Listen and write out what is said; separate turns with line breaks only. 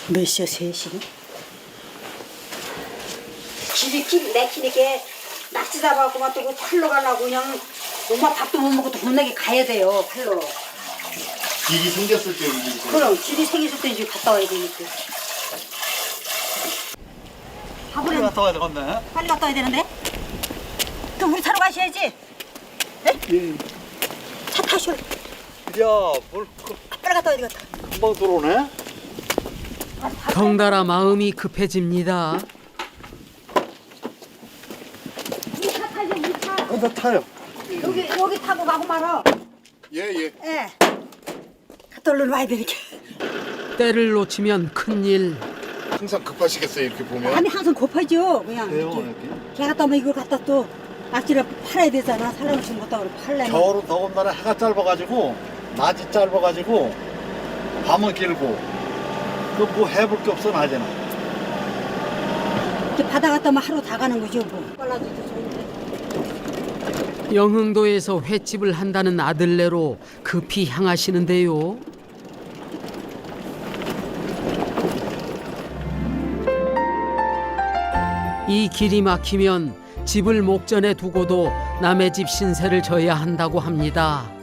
몇 시야, 3시? 길이 내키니까 낚시 잡아갖고만 또 팔로 가려고 그냥 엄마 밥도 못 먹고 돈 내게 가야 돼요, 팔로.
길이 생겼을 때 움직이세요?
그럼 길이 생겼을 때 이제 갔다 와야 되니까.
빨리 갔다 와야 되겠네.
빨리 갔다 와야 되는데? 그럼 우리 차로 가셔야지. 네?
예.
차 타셔.
야, 뭘
빨리 갔다 와야 되겠다.
금방 들어오네?
덩달아 마음이 급해집니다.
우리 차 타죠, 우리 차.
나 타요.
여기 타고 가고 말아.
예.
예. 갔다 얼른 와야 되니까.
때를 놓치면 큰일.
항상 급하시겠어요 이렇게 보면?
마음이 항상 고파져. 그냥
그래요,
이렇게.
이렇게?
걔 갔다 오면 이걸 갖다 또 낙지를 팔아야 되잖아. 사람 주는 것도 그렇고 팔려면.
겨울은 더군다나 해가 짧아가지고 낮이 짧아가지고 밤은 길고 그 뭐 해볼 게 없어 낮에는.
이렇게 바다 갔다 오면 하루 다 가는 거죠. 뭐. 빨라져도 좋은데.
영흥도에서 횟집을 한다는 아들네로 급히 향하시는데요. 이 길이 막히면 집을 목전에 두고도 남의 집 신세를 져야 한다고 합니다.